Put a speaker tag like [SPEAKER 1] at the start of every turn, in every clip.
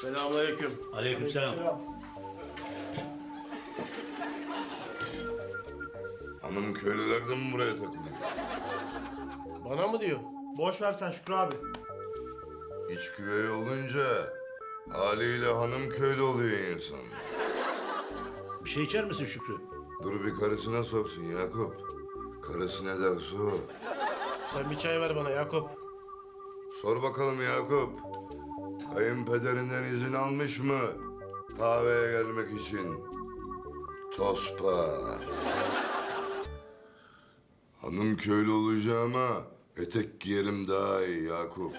[SPEAKER 1] Selamünaleyküm.
[SPEAKER 2] Aleykümselam.
[SPEAKER 3] Hanım köylüler de mi buraya takılıyor?
[SPEAKER 1] Bana mı diyor?
[SPEAKER 4] Boş ver sen Şükrü abi.
[SPEAKER 3] İç güvey olunca haliyle hanım köylü oluyor insan.
[SPEAKER 2] Bir şey içer misin Şükrü?
[SPEAKER 3] Dur bir karısına sorsun Yakup. Karısı ne derse o.
[SPEAKER 1] Sen bir çay ver bana Yakup.
[SPEAKER 3] Sor bakalım Yakup. Kayınpederinden izin almış mı? Kahveye gelmek için. Tospa. Hanım köylü olacağıma etek giyerim daha iyi Yakup.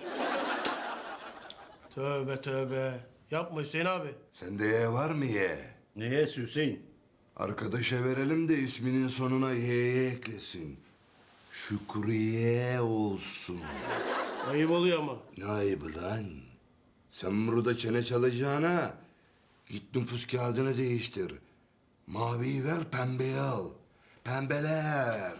[SPEAKER 1] Tövbe tövbe. Yapma Hüseyin abi.
[SPEAKER 3] Sende ye var mı ye?
[SPEAKER 2] Neye Hüseyin?
[SPEAKER 3] Arkadaşa verelim de isminin sonuna y'ye eklesin. Şükriye olsun.
[SPEAKER 1] Ayıp oluyor ama.
[SPEAKER 3] Ne ayıbı lan? Sen burada çene çalacağına git nüfus kağıdını değiştir. Maviyi ver, pembeyi al. Pembeler.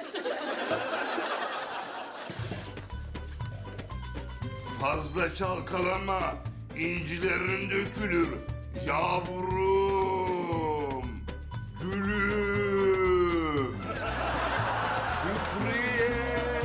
[SPEAKER 3] Fazla çalkalama, incilerin dökülür. Yavrum, gülüm. Şükriye.